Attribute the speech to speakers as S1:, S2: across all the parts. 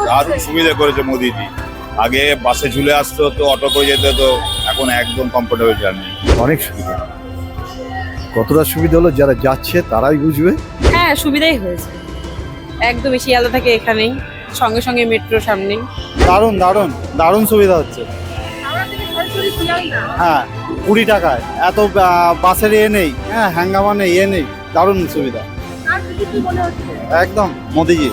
S1: দারুণ সুবিধা করেছে মোদিজি। আগে বাসে ঝুলে আসতে হতো, অটো করে যেতে হতো, এখন একদম কমফোর্টেবল জার্নি।
S2: অনেক সুবিধা। কতটা সুবিধা হলো যারা যাচ্ছে তারাই বুঝবে।
S3: হ্যাঁ, সুবিধাই হয়েছে একদম। শিয়ালদা থেকে এখানেই, সঙ্গে সঙ্গে মেট্রো সামনেই।
S2: দারুণ দারুণ দারুণ সুবিধা হচ্ছে। হ্যাঁ, 20 টাকায় এত বাসের নেই, হ্যাঁ হ্যাঙ্গামা নেই, নেই, দারুণ সুবিধা একদম মোদিজি।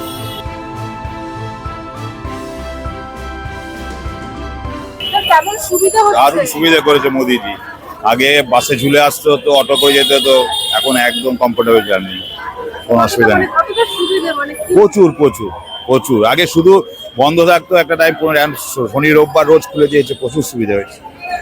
S3: কেমন সুবিধা
S1: দারুণ সুবিধা করেছে মোদিজি। আগে বাসে ঝুলে আসতে হতো, অটো করে যেতে হতো, এখন একদম কমফোর্টেবল জার্নি, কোনো অসুবিধা নেই। প্রচুর প্রচুর প্রচুর। আগে শুধু বন্ধ থাকতো একটা টাইম, শনি রোববার রোজ খুলে দিয়েছে, প্রচুর সুবিধা হয়েছে।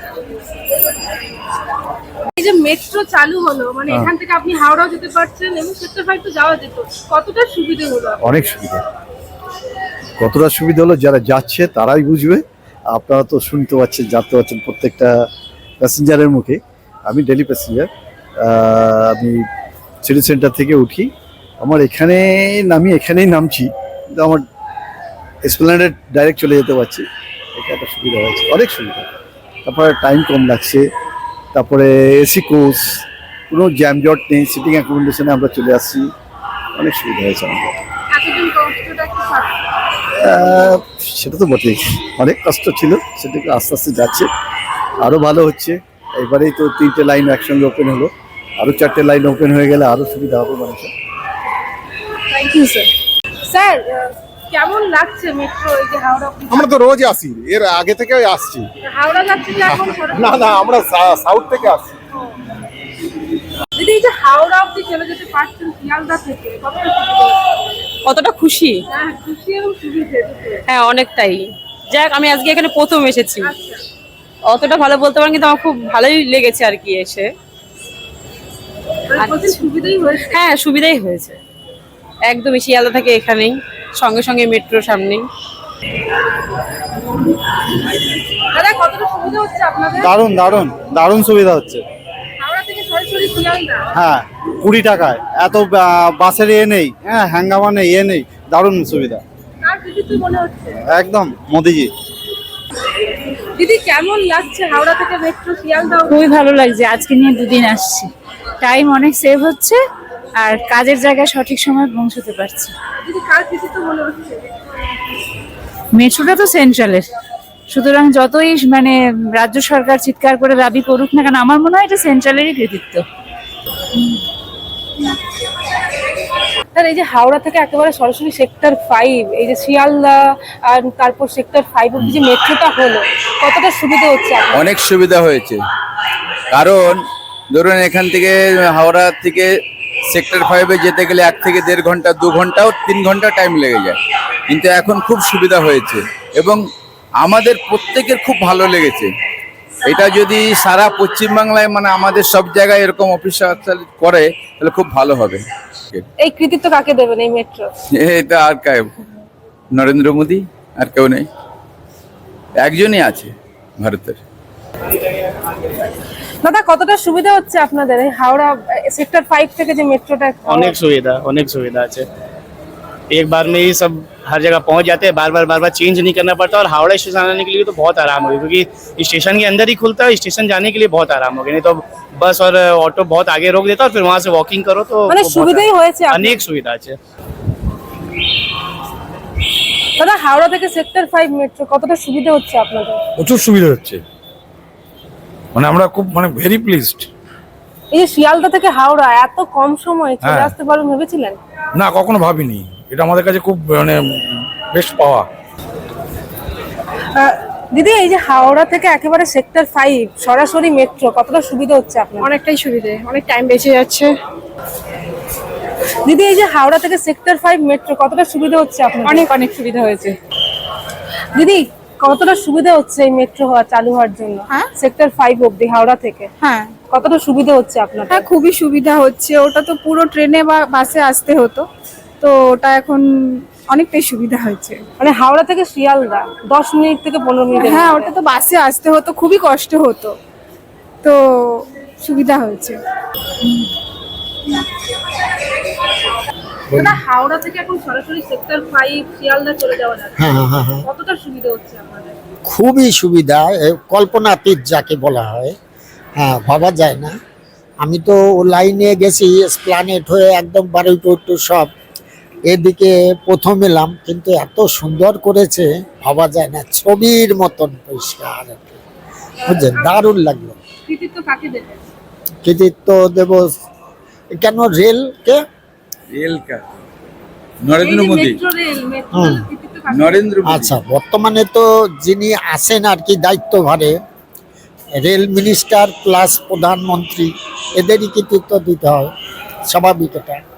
S4: এই যে মেট্রো চালু হলো, মানে এখান থেকে আপনি হাওড়াও যেতে পারছেন এবং সেক্টর 5 তো যাওয়া যেত, কতটা সুবিধা হলো?
S2: অনেক সুবিধা। কতটা সুবিধা হলো যারা যাচ্ছে তারাই বুঝবে। আপনারা তো শুনতে পাচ্ছেন, জানতে পারছেন প্রত্যেকটা প্যাসেঞ্জারের মুখে। আমি ডেলি প্যাসেঞ্জার, আমি সিটি সেন্টার থেকে উঠি, আমার এখানে এখানেই নামছি, কিন্তু আমার এসপ্ল্যানেডে ডাইরেক্ট চলে যেতে পারছি। এটা একটা সুবিধা হয়েছে, অনেক সুবিধা। তারপরে টাইম কম লাগছে, তারপরে এসি কোচ, কোনো জ্যামজট নেই, সিটিং অ্যাকোমোডেশনে আমরা চলে আসছি, অনেক সুবিধা হয়েছে আমাদের।
S4: এতদিন কষ্টটা কি থাকে?
S2: সেটা তো বটেই, অনেক কষ্ট ছিল, সেটাকে আস্তে আস্তে যাচ্ছে, আরও ভালো হচ্ছে। এবারেই তো 3টে লাইন একসঙ্গে ওপেন হলো, আরও 4টে লাইন ওপেন হয়ে গেলে আরও সুবিধা হবে মানুষের।
S4: Thank you sir. স্যার, কেমন লাগছে মেট্রো, এই যে হাওড়া
S5: আমরা তো রোজ আসি, এর আগে থেকে আসছি।
S4: হাওড়া যাচ্ছে যে এখন
S5: না না, আমরা সাউথ থেকে আসছি।
S4: দিদি, এই যে হাওড়া অব্দি চলে যেতে পারছেন শিয়ালদা থেকে, কতটা সুবিধা হচ্ছে?
S3: কতটা খুশি!
S4: হ্যাঁ, খুশি এবং সুবিধা দুটোই।
S3: হ্যাঁ, অনেকটাই। যাক, আমি আজকে এখানে প্রথম এসেছি,
S4: আচ্ছা,
S3: অতটা ভালো বলতে পারেন, কিন্তু আমার খুব ভালোই লেগেছে আর কি এসে।
S4: মানে প্রচুর সুবিধাই হয়েছে।
S3: হ্যাঁ, সুবিধাই হয়েছে একদম। শিয়ালদা থেকে এখানেই, সঙ্গে সঙ্গে মেট্রো সামনেই।
S4: দাদা, কতটা সুবিধা হচ্ছে আপনাদের?
S2: দারুণ দারুণ দারুণ সুবিধা হচ্ছে।
S4: হাওড়া থেকে সরাসরি শিয়ালদা।
S2: হ্যাঁ, 20 টাকায় এত বাসের নেই, হ্যাঁ হ্যাঙ্গামা নেই, নেই, দারুণ সুবিধা
S4: কার কৃতিত্ব মনে হচ্ছে?
S2: একদম মোদিজি।
S4: দিদি, কেমন লাগছে হাওড়া থেকে মেট্রো শিয়ালদা?
S6: খুবই ভালো লাগছে, আজকে নিয়ে 2 দিন আসছি, টাইম অনেক সেভ হচ্ছে আর কাজের জায়গায় সঠিক সময় পৌঁছতে পারছি।
S4: দিদি, কার কৃতিত্ব মনে হচ্ছে?
S6: মেট্রোটা তো সেন্ট্রালের, সুতরাং যতই মানে রাজ্য সরকার চিৎকার করে দাবি করুক না কেন, আমার মনে হয় এটা সেন্ট্রালেরই কৃতিত্ব।
S4: স্যার, এই যে হাওড়া থেকে একেবারে সরাসরি সেক্টর 5, এই যে শিয়ালদা আর তারপর সেক্টর 5 অব্দি যে মেট্রোটা হলো, কতটা সুবিধা হচ্ছে আপনার?
S7: অনেক সুবিধা হয়েছে, কারণ ধরুন এখান থেকে হাওড়া থেকে সেক্টর 5-এ যেতে গেলে 1 থেকে 1.5 ঘন্টা, 2 ঘন্টাও 3 ঘন্টা টাইম লেগে যায়, কিন্তু এখন খুব সুবিধা হয়েছে এবং আমাদের প্রত্যেকের খুব ভালো লেগেছে। এটা যদি সারা পশ্চিমবাংলায়, মানে আমাদের সব জায়গায় এরকম অফিস করে তাহলে খুব ভালো হবে।
S4: এই কৃতিত্ব কাকে দেবেন এই মেট্রো?
S7: এটা আর কেউ, নরেন্দ্র মোদী, আর কেউ নেই, একজনই আছে ভারতের।
S4: দাদা, কতটা সুবিধা হচ্ছে আপনাদের এই হাওড়া সেক্টর 5 থেকে যে মেট্রোটা?
S8: अनेक सुविधा আছে। एक बार में ही सब हर जगह पहुंच जाते हैं, बार बार चेंज नहीं करना पड़ता, और हावड़ा स्टेशन आने के लिए तो बहुत आराम हो गया, क्योंकि स्टेशन के अंदर ही खुलता है, स्टेशन जाने के लिए बहुत आराम हो गया। नहीं तो बस और ऑटो बहुत आगे रोक देता और फिर वहां से वॉकिंग करो, तो
S4: মানে
S8: बहुत
S4: সুবিধাই হয়েছে আপনাদের।
S8: अनेक सुविधा আছে।
S4: দাদা, হাওড়া থেকে সেক্টর 5 মেট্রো কতটা সুবিধা হচ্ছে আপনাদের?
S5: প্রচুর সুবিধা হচ্ছে, মানে আমরা খুব ভেরি প্লিজড।
S4: এই যে শিয়ালদা থেকে হাওড়া এত কম সময়ে চলে
S5: হ্যাঁ।
S4: আসতে পারবেন ভেবেছিলেন?
S5: না, কখনো ভাবিনি, এটা আমাদের কাছে খুব বেস্ট পাওয়া।
S4: দিদি, এই যে হাওড়া থেকে একেবারে সেক্টর 5 সরাসরি মেট্রো, কতটা সুবিধা হচ্ছে আপনার?
S3: অনেকটাই সুবিধে, অনেক টাইম বেঁচে যাচ্ছে।
S4: দিদি, এই যে হাওড়া থেকে সেক্টর 5 মেট্রো কতটা সুবিধা হচ্ছে আপনার?
S3: অনেক অনেক সুবিধা হয়েছে।
S4: দিদি, কতটা সুবিধা হচ্ছে এই মেট্রো চালু হওয়ার জন্য?
S3: হ্যাঁ।
S4: সেক্টর 5 অব্দি হাওড়া থেকে
S3: হ্যাঁ
S4: কতটা সুবিধা হচ্ছে আপনার?
S3: হ্যাঁ, খুবই সুবিধা হচ্ছে। ওটা তো পুরো ট্রেনে বা বাসে আসতে হতো, তো ওটা এখন অনেকটাই সুবিধা হয়েছে।
S4: মানে হাওড়া থেকে শিয়ালদা 10 মিনিট থেকে 15 মিনিট।
S3: হ্যাঁ, ওটা তো বাসে আসতে হতো, খুবই কষ্ট হতো, তো সুবিধা হয়েছে।
S4: দাদা হাওড়া থেকে এখন সরাসরি সেক্টর 5 শিয়ালদা চলে যাওয়া যাচ্ছে,
S9: হ্যাঁ হ্যাঁ হ্যাঁ হ্যাঁ
S4: কতটা সুবিধা হচ্ছে আপনাদের?
S9: খুবই সুবিধা, কল্পনাতীত যাকে বলা হয়, হ্যাঁ ভাবা যায় না। আমি তো ও লাইনে গেছি এসপ্লানেট হয়ে একদম বারুইপুর সব, এদিকে প্রথম এলাম, কিন্তু এত সুন্দর করেছে ভাবা যায় না, ছবির মতন পরিষ্কার, বুঝলেন, দারুণ লাগলো।
S4: কৃতিত্ব কাকে দেবেন?
S9: কৃতিত্ব দেব কেন, রেলকে,
S7: রেল কা নরেন্দ্র মোদী,
S4: মেট্রো রেল
S9: হুম।
S4: কৃতিত্ব কাকে?
S7: নরেন্দ্র মোদী।
S9: আচ্ছা, বর্তমানে তো যিনি আছেন আর কি দায়িত্বভারে, রেল মিনিস্টার প্লাস প্রধানমন্ত্রী, এদেরই কৃতিত্ব দিতে হয়, স্বাভাবিক এটা।